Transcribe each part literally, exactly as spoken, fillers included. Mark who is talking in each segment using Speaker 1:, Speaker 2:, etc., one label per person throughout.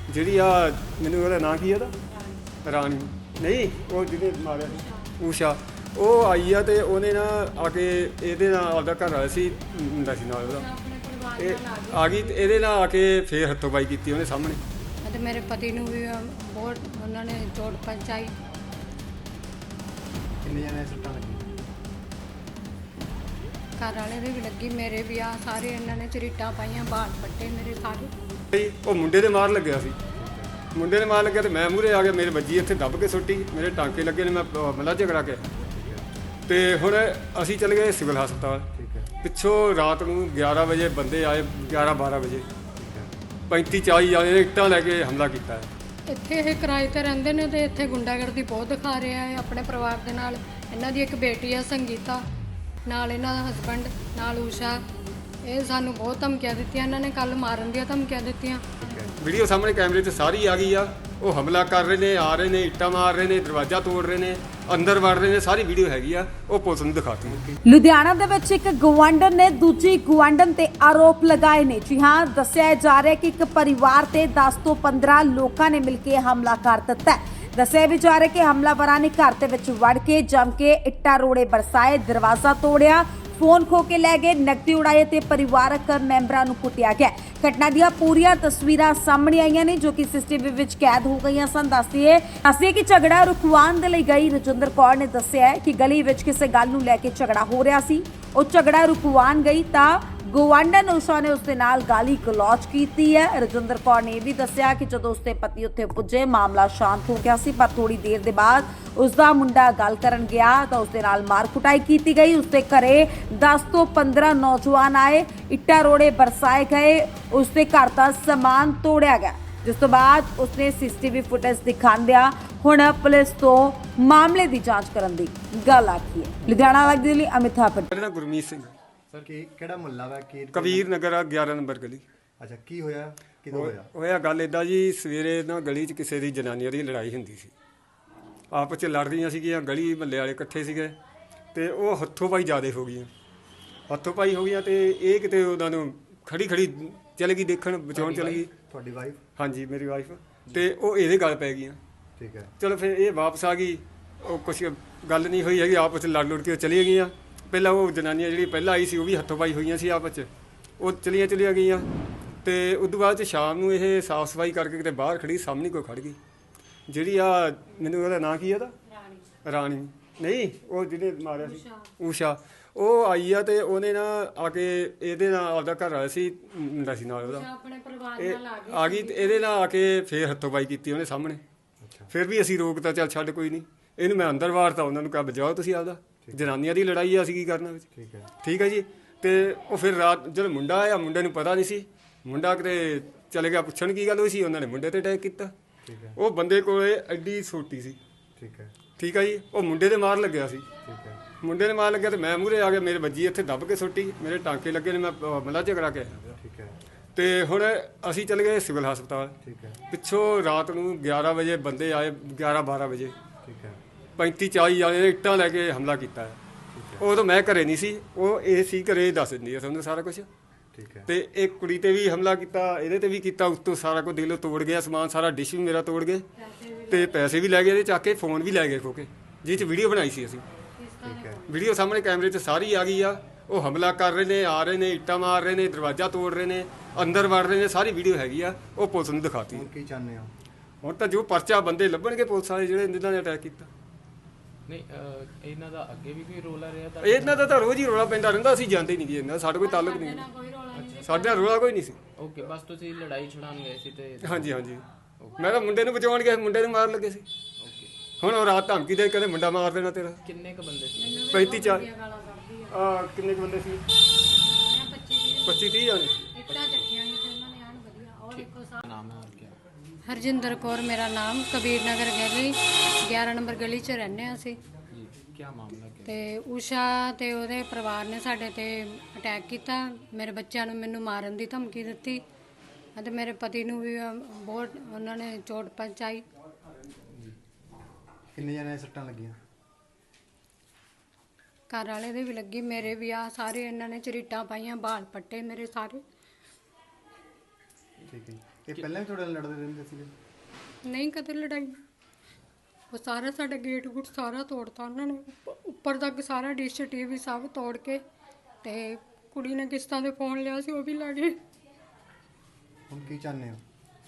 Speaker 1: ਜਿਹੜੀ ਆ ਮੈਨੂੰ ਉਹਦਾ ਨਾਂ ਕੀ ਉਹਦਾ ਰਾਣੀ ਨਹੀਂ ਉਹ ਜਿਹਨੇ ਮਾਰਿਆ ਸੀ ਊਸ਼ਾ ਉਹ ਆਈ ਆ ਤੇ ਉਹਨੇ ਨਾ ਆ ਕੇ ਇਹਦੇ ਨਾਲ ਆਪਦਾ ਘਰ ਵਾਲਾ ਸੀ ਮੁੰਡਾ ਸੀ ਨਾਲ ਉਹਦਾ ਇਹ ਆ ਗਈ ਤੇ ਇਹਦੇ ਨਾਲ ਆ ਕੇ ਫੇਰ ਹੱਥੋਂ-ਪਾਈ ਕੀਤੀ ਉਹਨੇ ਸਾਹਮਣੇ
Speaker 2: ਅਤੇ ਮੇਰੇ ਪਤੀ ਨੂੰ ਵੀ ਬਹੁਤ ਉਹਨਾਂ ਨੇ ਚੋਟ ਪਹੁੰਚਾਈ।
Speaker 3: ਕਿੰਨੇ ਜਣੇ ਸੱਟਾਂ ਲੱਗੀਆਂ?
Speaker 2: ਘਰ ਵਾਲੇ ਦੇ ਵੀ ਲੱਗੀ, ਮੇਰੇ ਵੀ ਆ ਸਾਰੇ ਇਹਨਾਂ ਨੇ ਚਰੀਟਾਂ ਪਾਈਆਂ, ਬਾਲ ਪੱਟੇ ਮੇਰੇ ਸਾਰੇ।
Speaker 1: ਉਹ ਮੁੰਡੇ ਦੇ ਮਾਰ ਲੱਗਿਆ ਸੀ, ਮੁੰਡੇ ਨੇ ਮਾਰ ਲੱਗਿਆ ਤੇ ਮੈਂ ਮੂਹਰੇ ਆ ਗਿਆ, ਮੇਰੇ ਵੱਜੀ ਇੱਥੇ ਦੱਬ ਕੇ ਸੁੱਟੀ, ਮੇਰੇ ਟਾਂਕੇ ਲੱਗੇ ਨੇ, ਮੈਂ ਮਲਾ ਝਗੜਾ ਕੇ ਤੇ ਹੁਣ ਅਸੀਂ ਚਲੇ ਗਏ ਸਿਵਲ ਹਸਪਤਾਲ। ਪਿੱਛੋਂ ਰਾਤ ਨੂੰ ਗਿਆਰਾਂ ਵਜੇ ਬੰਦੇ ਆਏ, ਗਿਆਰਾਂ ਬਾਰਾਂ ਵਜੇ ਪੈਂਤੀ ਚਾਲੀ ਜਾਣੇ ਇੱਟਾਂ ਲੈ ਕੇ ਹਮਲਾ ਕੀਤਾ ਹੈ।
Speaker 2: ਇੱਥੇ ਇਹ ਕਿਰਾਏ ਤੇ ਰਹਿੰਦੇ ਨੇ ਤੇ ਇੱਥੇ ਗੁੰਡਾਗਰਦੀ ਬਹੁਤ ਦਿਖਾ ਰਿਹਾ ਹੈ ਆਪਣੇ ਪਰਿਵਾਰ ਦੇ ਨਾਲ। ਇਹਨਾਂ ਦੀ ਇੱਕ ਬੇਟੀ ਹੈ ਸੰਗੀਤਾ, ਨਾਲ ਇਹਨਾਂ ਦਾ ਹਸਬੈਂਡ, ਨਾਲ ਊਸ਼ਾ। ਇਹ ਸਾਨੂੰ ਬਹੁਤ ਧਮਕੀਆਂ ਦਿੱਤੀਆਂ, ਇਹਨਾਂ ਨੇ ਕੱਲ ਮਾਰਨ ਦੀਆਂ ਧਮਕੀਆਂ ਦਿੱਤੀਆਂ।
Speaker 1: ਵੀਡੀਓ ਸਾਹਮਣੇ ਕੈਮਰੇ 'ਚ ਸਾਰੀ ਆ ਗਈ ਆ, ਉਹ ਹਮਲਾ ਕਰ ਰਹੇ ਨੇ, ਆ ਰਹੇ ਨੇ, ਇੱਟਾਂ ਮਾਰ ਰਹੇ ਨੇ, ਦਰਵਾਜ਼ਾ ਤੋੜ ਰਹੇ ਨੇ, ਅੰਦਰ ਵੜ ਰਹੇ ਨੇ, ਸਾਰੀ ਵੀਡੀਓ ਹੈਗੀ ਆ, ਉਹ ਪੁਲਿਸ ਨੂੰ ਦਿਖਾਤੀ।
Speaker 4: ਲੁਧਿਆਣਾ ਦੇ ਵਿੱਚ ਇੱਕ ਗਵਾਂਢਣ ਨੇ ਦੂਜੀ ਗਵਾਂਢਣ ਤੇ ਆਰੋਪ ਲਗਾਏ ਨੇ। ਜੀ ਹਾਂ, ਦੱਸਿਆ ਜਾ ਰਿਹਾ ਕਿ ਇੱਕ ਪਰਿਵਾਰ ਤੇ ਦਸ ਤੋਂ ਪੰਦਰਾਂ ਲੋਕਾਂ ਨੇ ਮਿਲ ਕੇ ਹਮਲਾ ਕਰ ਦਿੱਤਾ। ਦੱਸਿਆ ਵੀ ਜਾ ਰਿਹਾ ਕਿ ਹਮਲਾਵਰਾਂ ਨੇ ਘਰ ਦੇ ਵਿੱਚ ਵੜ ਕੇ ਜੰਮ ਕੇ ਇੱਟਾਂ ਰੋੜੇ ਬਰਸਾਏ, ਦਰਵਾਜ਼ਾ ਤੋੜਿਆ, ਫੋਨ ਖੋ ਕੇ ਲੈ ਗਏ, ਨਕਦੀ ਉਡਾਏ ਤੇ ਪਰਿਵਾਰਕ ਮੈਂਬਰਾਂ ਨੂੰ ਕੁੱਟਿਆ ਗਿਆ। ਘਟਨਾ ਦੀਆਂ ਪੂਰੀਆਂ ਤਸਵੀਰਾਂ ਸਾਹਮਣੇ ਆਈਆਂ ਨੇ ਜੋ ਕਿ ਸੀਸੀਟੀਵੀ ਵਿੱਚ ਕੈਦ ਹੋ ਗਈਆਂ ਸਨ। ਦੱਸਦੀਏ ਅਸੀਂ ਕਿ ਝਗੜਾ ਰੁਕਵਾਉਣ ਦੇ ਲਈ ਗਈ ਰਜਿੰਦਰ ਕੌਰ ਨੇ ਦੱਸਿਆ ਹੈ ਕਿ ਗਲੀ ਵਿੱਚ ਕਿਸੇ ਗੱਲ ਨੂੰ ਲੈ ਕੇ ਝਗੜਾ ਹੋ ਰਿਹਾ ਸੀ। ਉਹ ਝਗੜਾ ਰੁਕਵਾਉਣ ਗਈ ਤਾਂ ਗਵਾਂਢਣ ਊਸ਼ਾ ਨੇ ਉਸਦੇ ਨਾਲ ਗਾਲੀ ਗਲੌਚ ਕੀਤੀ ਹੈ। ਰਜਿੰਦਰ ਕੌਰ ਨੇ ਇਹ ਵੀ ਦੱਸਿਆ ਕਿ ਜਦੋਂ ਉਸਦੇ ਪਤੀ ਉੱਥੇ ਪੁੱਜੇ ਮਾਮਲਾ ਸ਼ਾਂਤ ਹੋ ਗਿਆ ਸੀ, ਪਰ ਥੋੜੀ ਦੇਰ ਦੇ ਬਾਅਦ ਉਸਦਾ ਮੁੰਡਾ ਗੱਲ ਕਰਨ ਗਿਆ ਤਾਂ ਉਸਦੇ ਨਾਲ ਮਾਰ ਕੁਟਾਈ ਕੀਤੀ ਗਈ। ਉਸਦੇ ਘਰੇ ਦਸ ਤੋਂ ਪੰਦਰਾਂ ਨੌਜਵਾਨ ਆਏ, ਇੱਟਾਂ ਰੋੜੇ ਬਰਸਾਏ ਗਏ, ਉਸਦੇ ਘਰ ਦਾ ਸਮਾਨ ਤੋੜਿਆ ਗਿਆ, ਜਿਸ ਤੋਂ ਬਾਅਦ ਉਸਨੇ ਸੀਸੀਟੀਵੀ ਫੁਟੇਜ ਦਿਖਾਉਂਦਿਆਂ ਹੁਣ ਪੁਲਿਸ ਤੋਂ ਮਾਮਲੇ ਦੀ ਜਾਂਚ ਕਰਨ ਦੀ ਗੱਲ ਆਖੀ ਹੈ। ਲੁਧਿਆਣਾ ਲੱਗਦੀ ਲਈ ਅਮਿਤ ਥਾਪਰ।
Speaker 1: ਮੇਰਾ ਨਾਮ ਗੁਰਮੀਤ ਸਿੰਘ,
Speaker 3: ਸਰ ਕੀ ਕਿਹੜਾ ਮੁਹੱਲਾ ਵਾ? ਕੀ
Speaker 1: ਕਬੀਰ ਨਗਰ ਆ, ਗਿਆਰਾਂ ਨੰਬਰ ਗਲੀ।
Speaker 3: ਅੱਛਾ, ਕੀ ਹੋਇਆ? ਕਿਦੋਂ ਹੋਇਆ?
Speaker 1: ਹੋਇਆ ਗੱਲ ਇਦਾਂ ਜੀ, ਸਵੇਰੇ ਨਾ ਗਲੀ 'ਚ ਕਿਸੇ ਦੀ ਜਨਾਨੀਆਂ ਦੀ ਲੜਾਈ ਹੁੰਦੀ ਸੀ, ਆਪਸ 'ਚ ਲੜ ਰਹੀਆਂ ਸੀਗੀਆਂ, ਗਲੀ ਮਹੱਲੇ ਵਾਲੇ ਇਕੱਠੇ ਸੀਗੇ ਤੇ ਉਹ ਹੱਥੋਂ ਪਾਈ ਜ਼ਿਆਦਾ ਹੋ ਗਈਆਂ, ਹੱਥੋਂ ਪਾਈ ਹੋ ਗਈਆਂ ਤੇ ਇਹ ਕਿਤੇ ਉਹਨਾਂ ਨੂੰ ਖੜੀ ਖੜੀ ਚਲੇ ਗਈ ਦੇਖਣ, ਬਚਾਉਣ ਚਲੇ ਗਈ।
Speaker 3: ਤੁਹਾਡੀ ਵਾਈਫ?
Speaker 1: ਹਾਂਜੀ, ਮੇਰੀ ਵਾਈਫ। ਤੇ ਉਹ ਇਹਦੇ ਗੱਲ ਪੈ ਗਈਆਂ।
Speaker 3: ਠੀਕ ਹੈ।
Speaker 1: ਚਲੋ ਫਿਰ ਇਹ ਵਾਪਸ ਆ ਗਈ, ਉਹ ਕੁਛ ਗੱਲ ਨਹੀਂ ਹੋਈ ਹੈਗੀ, ਆਪਸ 'ਚ ਲੜ ਲੁੜ ਕੇ ਚਲੀਆਂ ਗਈਆਂ। ਪਹਿਲਾਂ ਉਹ ਜਨਾਨੀਆਂ ਜਿਹੜੀ ਪਹਿਲਾਂ ਆਈ ਸੀ ਉਹ ਵੀ ਹੱਥੋਂ ਪਾਈ ਹੋਈਆਂ ਸੀ ਆਪਸ 'ਚ, ਉਹ ਚਲੀਆਂ ਚਲੀਆਂ ਗਈਆਂ। ਤੇ ਉਸ ਤੋਂ ਬਾਅਦ 'ਚ ਸ਼ਾਮ ਨੂੰ ਇਹ ਸਾਫ਼ ਸਫਾਈ ਕਰਕੇ ਕਿਤੇ ਬਾਹਰ ਖੜੀ, ਸਾਹਮਣੇ ਕੋਈ ਖੜ ਗਈ, ਜਿਹੜੀ ਆ ਮੈਨੂੰ ਉਹਦਾ ਨਾਂ ਕੀ ਹੈ, ਉਹਦਾ ਰਾਣੀ ਨਹੀਂ ਉਹ ਜਿਹਨੇ ਮਾਰਿਆ ਸੀ ਊਸ਼ਾ। ਉਹ ਆਈ ਆ ਤੇ ਉਹਨੇ ਨਾ ਆ ਕੇ ਇਹਦੇ ਨਾਲ ਆਪਦਾ ਘਰ ਵਾਲਾ ਸੀ ਮੁੰਡਾ ਸੀ ਨਾਲ ਉਹਦਾ
Speaker 2: ਆਪਣੇ ਪਰਿਵਾਰ
Speaker 1: ਇਹ
Speaker 2: ਨਾਲ
Speaker 1: ਆ ਗਈ ਤੇ ਇਹਦੇ ਨਾਲ ਆ ਕੇ ਫੇਰ ਹੱਥੋਂ-ਪਾਈ ਕੀਤੀ ਉਹਨੇ ਸਾਹਮਣੇ। ਫਿਰ ਵੀ ਅਸੀਂ ਰੋਕਤਾ, ਚੱਲ ਛੱਡ ਕੋਈ ਨਹੀਂ, ਇਹਨੂੰ ਮੈਂ ਅੰਦਰ ਵਾਰਤਾ, ਉਹਨਾਂ ਨੂੰ ਕਿਹਾ ਬਜਾਓ ਤੁਸੀਂ ਆਪਦਾ, ਜਨਾਨੀਆਂ ਦੀ ਲੜਾਈ ਆ, ਅਸੀਂ ਕੀ ਕਰਨਾ ਵਿੱਚ।
Speaker 3: ਠੀਕ ਹੈ।
Speaker 1: ਠੀਕ ਹੈ ਜੀ। ਤੇ ਉਹ ਫਿਰ ਰਾਤ ਜਦੋਂ ਮੁੰਡਾ ਆਇਆ, ਮੁੰਡੇ ਨੂੰ ਪਤਾ ਨਹੀਂ ਸੀ, ਮੁੰਡਾ ਕਿਤੇ ਚਲੇ ਗਿਆ ਪੁੱਛਣ ਕੀ ਗੱਲ ਹੋਈ ਸੀ, ਉਹਨਾਂ ਨੇ ਮੁੰਡੇ ਤੇ ਅਟੈਕ ਕੀਤਾ।
Speaker 3: ਠੀਕ ਹੈ।
Speaker 1: ਉਹ ਬੰਦੇ ਕੋਲੇ ਐਡੀ ਛੋਟੀ ਸੀ।
Speaker 3: ਠੀਕ ਹੈ।
Speaker 1: ਠੀਕ ਹੈ ਜੀ। ਉਹ ਮੁੰਡੇ ਦੇ ਮਾਰ ਲੱਗਿਆ ਸੀ,
Speaker 3: ਠੀਕ ਹੈ।
Speaker 1: ਮੁੰਡੇ ਨੇ ਮਾਰ ਲੱਗਿਆ ਤੇ ਮੈਂ ਮੂਹਰੇ ਆ ਗਿਆ, ਮੇਰੇ ਵੱਜੀ ਇੱਥੇ ਦੱਬ ਕੇ ਸੁੱਟੀ, ਮੇਰੇ ਟਾਂਕੇ ਲੱਗੇ ਨੇ, ਮੈਂ ਮਲਾ ਝਗੜਾ ਕੇ ਆਇਆ।
Speaker 3: ਠੀਕ ਹੈ।
Speaker 1: ਤੇ ਹੁਣ ਅਸੀਂ ਚਲੇ ਗਏ ਸਿਵਲ ਹਸਪਤਾਲ।
Speaker 3: ਠੀਕ ਹੈ।
Speaker 1: ਪਿੱਛੋਂ ਰਾਤ ਨੂੰ ਗਿਆਰਾਂ ਵਜੇ ਬੰਦੇ ਆਏ, ਗਿਆਰਾਂ ਬਾਰਾਂ ਵਜੇ
Speaker 3: ਠੀਕ ਹੈ।
Speaker 1: ਪੈਂਤੀ ਚਾਲੀ ਜਾਣੇ ਇੱਟਾਂ ਲੈ ਕੇ ਹਮਲਾ ਕੀਤਾ ਹੈ। ਉਦੋਂ ਮੈਂ ਘਰੇ ਨਹੀਂ ਸੀ, ਉਹ ਇਹ ਸੀ ਘਰੇ, ਦੱਸ ਦਿੰਦੀ ਆ ਤੁਹਾਨੂੰ ਸਾਰਾ ਕੁਝ।
Speaker 3: ਠੀਕ ਹੈ।
Speaker 1: ਤੇ ਇੱਕ ਕੁੜੀ ਤੇ ਵੀ ਹਮਲਾ ਕੀਤਾ, ਇਹਦੇ ਤੇ ਵੀ ਕੀਤਾ, ਉੱਤੋਂ ਸਾਰਾ ਕੁਝ ਦਿਲੋਂ ਤੋੜ ਗਿਆ ਸਮਾਨ, ਸਾਰਾ ਡਿਸ਼ ਵੀ ਮੇਰਾ ਤੋੜ ਗਏ ਤੇ ਪੈਸੇ ਵੀ ਲੈ ਗਏ, ਇਹਦੇ ਚੱਕ ਕੇ ਫੋਨ ਵੀ ਲੈ ਗਏ ਖੋ ਕੇ, ਜਿਹ 'ਚ ਵੀਡੀਓ ਬਣਾਈ ਸੀ ਅਸੀਂ।
Speaker 3: ਠੀਕ ਹੈ।
Speaker 1: ਵੀਡੀਓ ਸਾਹਮਣੇ ਕੈਮਰੇ 'ਚ ਸਾਰੀ ਆ ਗਈ ਆ, ਉਹ ਹਮਲਾ ਕਰ ਰਹੇ ਨੇ, ਆ ਰਹੇ ਨੇ, ਇੱਟਾਂ ਮਾਰ ਰਹੇ ਨੇ, ਦਰਵਾਜ਼ਾ ਤੋੜ ਰਹੇ ਨੇ, ਅੰਦਰ ਵੜ ਰਹੇ ਨੇ, ਸਾਰੀ ਵੀਡੀਓ ਹੈਗੀ ਆ, ਉਹ ਪੁਲਿਸ ਨੂੰ ਦਿਖਾਤੀ।
Speaker 3: ਹੁਣ ਕੀ ਚਾਹੁੰਦੇ ਹੋ?
Speaker 1: ਹੁਣ ਤਾਂ ਜੋ ਪਰਚਾ ਬੰਦੇ ਲੱਭਣਗੇ ਪੁਲਿਸ ਵਾਲੇ ਜਿਹੜੇ ਜਿਨ੍ਹਾਂ ਨੇ ਅਟੈਕ ਕੀਤਾ।
Speaker 5: ਨਹੀਂ ਅਹ ਇਹਨਾਂ ਦਾ ਅੱਗੇ ਵੀ ਕੋਈ ਰੋਲਾ ਰਿਹਾ ਤਾਂ?
Speaker 1: ਇਹਨਾਂ ਦਾ ਤਾਂ ਰੋਜ਼ ਹੀ ਰੋਲਾ ਪੈਂਦਾ ਰਹਿੰਦਾ, ਅਸੀਂ ਜਾਂਦੇ ਨਹੀਂ ਜੀ, ਇਹਨਾਂ ਸਾਡਾ ਕੋਈ ਤਾਲੁਕ ਨਹੀਂ, ਸਾਡੇ ਨਾਲ ਰੋਲਾ ਕੋਈ ਨਹੀਂ ਸੀ।
Speaker 5: ਓਕੇ, ਬਸ ਤੁਸੀਂ ਲੜਾਈ ਛੁਡਾਉਣ ਗਏ ਸੀ ਤੇ?
Speaker 1: ਹਾਂਜੀ ਹਾਂਜੀ, ਮੈਂ ਤਾਂ ਮੁੰਡੇ ਨੂੰ ਬਚਾਉਣ ਗਿਆ, ਮੁੰਡੇ ਨੂੰ ਮਾਰ ਲੱਗੇ ਸੀ।
Speaker 5: ਓਕੇ।
Speaker 1: ਹੁਣ ਉਹ ਰਾਤ ਧਮਕੀ ਦੇ ਕਹਿੰਦੇ ਮੁੰਡਾ ਮਾਰ ਦੇਣਾ ਤੇਰਾ।
Speaker 5: ਕਿੰਨੇ ਕ ਬੰਦੇ ਸੀ?
Speaker 1: ਪੈਂਤੀ ਚਾਰ ਆ ਕਿੰਨੇ ਕੁ ਬੰਦੇ ਸੀ? ਪੱਚੀ ਤੀਹ ਜਾਣੇ।
Speaker 2: ਇੱਟਾਂ ਚੱਕੀਆਂ ਨਹੀਂ ਤੇ ਉਹਨਾਂ ਨੇ ਆਣ ਵਧੀਆ। ਔਰ ਇੱਕੋ ਸਾਹ
Speaker 5: ਨਾਮ ਹੈ ਹੋਰ ਕੀ?
Speaker 2: ਹਰਜਿੰਦਰ ਕੌਰ ਮੇਰਾ ਨਾਮ, ਕਬੀਰ ਨਗਰ ਗਲੀ ਗਿਆਰਾਂ ਨੰਬਰ ਗਲੀ 'ਚ ਰਹਿੰਦੇ ਹਾਂ ਅਸੀਂ।
Speaker 5: ਜੀ, ਕੀ ਮਾਮਲਾ ਕੀ?
Speaker 2: ਤੇ ਊਸ਼ਾ ਤੇ ਉਹਦੇ ਪਰਿਵਾਰ ਨੇ ਸਾਡੇ ਤੇ ਅਟੈਕ ਕੀਤਾ, ਮੇਰੇ ਬੱਚਿਆਂ ਨੂੰ ਮੈਨੂੰ ਮਾਰਨ ਦੀ ਧਮਕੀ ਦਿੱਤੀ ਅਤੇ ਮੇਰੇ ਪਤੀ ਨੂੰ ਵੀ ਬਹੁਤ ਉਹਨਾਂ ਨੇ ਚੋਟ ਪਹੁੰਚਾਈ।
Speaker 3: ਕਿੰਨੇ ਜਣੇ ਸੱਟਾਂ ਲੱਗੀਆਂ?
Speaker 2: ਘਰ ਵਾਲੇ ਦੇ ਵੀ ਲੱਗੀ, ਮੇਰੇ ਵੀ ਆ ਸਾਰੇ ਇਹਨਾਂ ਨੇ ਚਰੀਟਾਂ ਪਾਈਆਂ, ਬਾਲ ਪੱਟੇ ਮੇਰੇ ਸਾਰੇ।
Speaker 3: ਠੀਕ ਹੈ। ਇਹ ਪਹਿਲਾਂ ਵੀ ਤੁਹਾਡੇ ਨਾਲ ਲੜਦੇ ਰਹਿੰਦੇ ਸੀਗੇ?
Speaker 2: ਨਹੀਂ ਕਦੇ ਲੜਾਈ। ਉਹ ਸਾਰਾ ਸਾਡਾ ਗੇਟ ਗੁੱਟ ਸਾਰਾ ਤੋੜਤਾ ਉਹਨਾਂ ਨੇ, ਉੱਪ- ਉੱਪਰ ਤੱਕ ਸਾਰਾ ਡਿਸ਼ ਟੀਵੀ ਸਭ ਤੋੜ ਕੇ, ਤੇ ਕੁੜੀ ਨੇ ਕਿਸ਼ਤਾਂ ਦੇ ਫੋਨ ਲਿਆ ਸੀ ਉਹ ਵੀ ਲੈ ਗਏ।
Speaker 3: ਹੁਣ ਕੀ ਚਾਹੁੰਦੇ ਹੋ?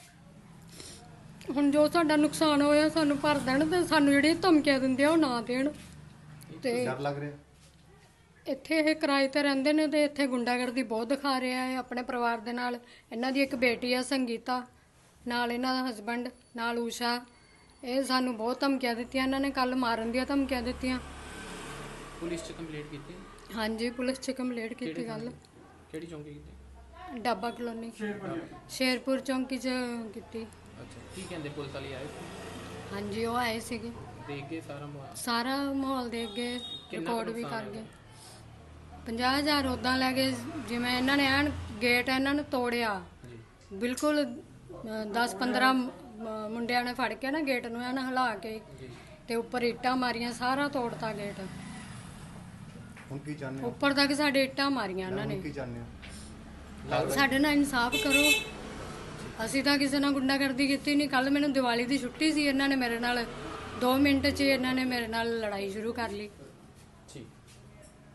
Speaker 2: ਹੁਣ ਜੋ ਸਾਡਾ ਨੁਕਸਾਨ ਹੋਇਆ ਸਾਨੂੰ ਭਰ ਦੇਣ, ਤੇ ਸਾਨੂੰ ਜਿਹੜੀਆਂ ਧਮਕੀਆਂ ਦਿੰਦੇ ਆ ਉਹ ਨਾ ਦੇਣ। ਤੇ
Speaker 3: ਡਰ ਲੱਗ ਰਿਹਾ?
Speaker 2: ਇੱਥੇ ਇਹ ਕਿਰਾਏ ਤੇ ਰਹਿੰਦੇ ਨੇ ਤੇ ਇੱਥੇ ਗੁੰਡਾਗਰਦੀ ਬਹੁਤ ਦਿਖਾ ਰਿਹਾ ਹੈ ਆਪਣੇ ਪਰਿਵਾਰ ਦੇ ਨਾਲ। ਇਹਨਾਂ ਦੀ ਇੱਕ ਬੇਟੀ ਆ ਸੰਗੀਤਾ, ਨਾਲ ਇਹਨਾਂ ਦਾ ਹਸਬੰਡ, ਨਾਲ ਊਸ਼ਾ। ਇਹ ਸਾਨੂੰ ਬਹੁਤ ਧਮਕੀਆਂ ਦਿੱਤੀਆਂ ਇਹਨਾਂ ਨੇ, ਕੱਲ ਮਾਰਨ ਦੀਆਂ ਧਮਕੀਆਂ ਦਿੱਤੀਆਂ।
Speaker 5: ਪੁਲਿਸ 'ਚ ਕੰਪਲੇਂਟ ਕੀਤੀ?
Speaker 2: ਹਾਂਜੀ ਪੁਲਿਸ 'ਚ ਕੰਪਲੇਂਟ ਕੀਤੀ ਗੱਲ।
Speaker 5: ਕਿਹੜੀ ਚੌਂਕੀ ਕੀਤੀ?
Speaker 2: ਡਾਬਾ ਕਲੋਨੀ ਸ਼ੇਰਪੁਰ ਚੌਂਕੀ 'ਚ ਕੀਤੀ।
Speaker 5: ਅੱਛਾ, ਕੀ ਕਹਿੰਦੇ ਪੁਲਿਸ ਵਾਲੇ ਆਏ ਸੀ?
Speaker 2: ਹਾਂਜੀ ਉਹ ਆਏ ਸੀਗੇ,
Speaker 5: ਦੇਖ ਕੇ ਸਾਰਾ ਮਾਹੌਲ?
Speaker 2: ਸਾਰਾ ਮਾਹੌਲ ਦੇਖ ਗਏ,
Speaker 5: ਕਿੰਨਾ
Speaker 2: ਰਿਕਾਰਡ ਵੀ
Speaker 5: ਨੁਕਸਾਨ
Speaker 2: ਕਰ ਗਏ।
Speaker 5: ਹੋਇਆ?
Speaker 2: ਪੰਜਾਹ ਹਜ਼ਾਰ ਉੱਦਾਂ ਲੈ ਗਏ, ਜਿਵੇਂ ਇਹਨਾਂ ਨੇ ਐਨ ਗੇਟ ਇਹਨਾਂ ਨੂੰ ਤੋੜਿਆ
Speaker 5: ਜੀ।
Speaker 2: ਬਿਲਕੁਲ। ਦਸ ਪੰਦਰਾਂ ਮੁੰਡਿਆਂ ਨੇ ਫੜ ਕੇ ਨਾ ਗੇਟ ਨੂੰ ਐਨ ਹਿਲਾ ਕੇ,
Speaker 5: ਜੀ।
Speaker 2: ਤੇ ਉੱਪਰ ਇੱਟਾਂ ਮਾਰੀਆਂ, ਸਾਰਾ ਤੋੜਤਾ ਗੇਟ।
Speaker 3: ਹੁਣ ਕੀ ਚਾਹੁੰਦੇ ਹੋ?
Speaker 2: ਉੱਪਰ ਤੱਕ ਸਾਡੇ ਇੱਟਾਂ ਮਾਰੀਆਂ ਇਹਨਾਂ
Speaker 3: ਹੁਣ
Speaker 2: ਨੇ।
Speaker 3: ਕੀ ਚਾਹੁੰਦੇ ਹੋ?
Speaker 2: ਸਾਡੇ ਨਾਲ ਇਨਸਾਫ ਕਰੋ। ਅਸੀਂ ਤਾਂ ਕਿਸੇ ਨਾਲ ਗੁੰਡਾਗਰਦੀ ਕੀਤੀ ਨਹੀਂ। ਕੱਲ ਮੈਨੂੰ ਦੀਵਾਲੀ ਦੀ ਛੁੱਟੀ ਸੀ, ਇਹਨਾਂ ਨੇ ਮੇਰੇ ਨਾਲ ਦੋ ਮਿੰਟ 'ਚ ਇਹਨਾਂ ਨੇ ਮੇਰੇ ਨਾਲ ਲੜਾਈ ਸ਼ੁਰੂ ਕਰ ਲਈ।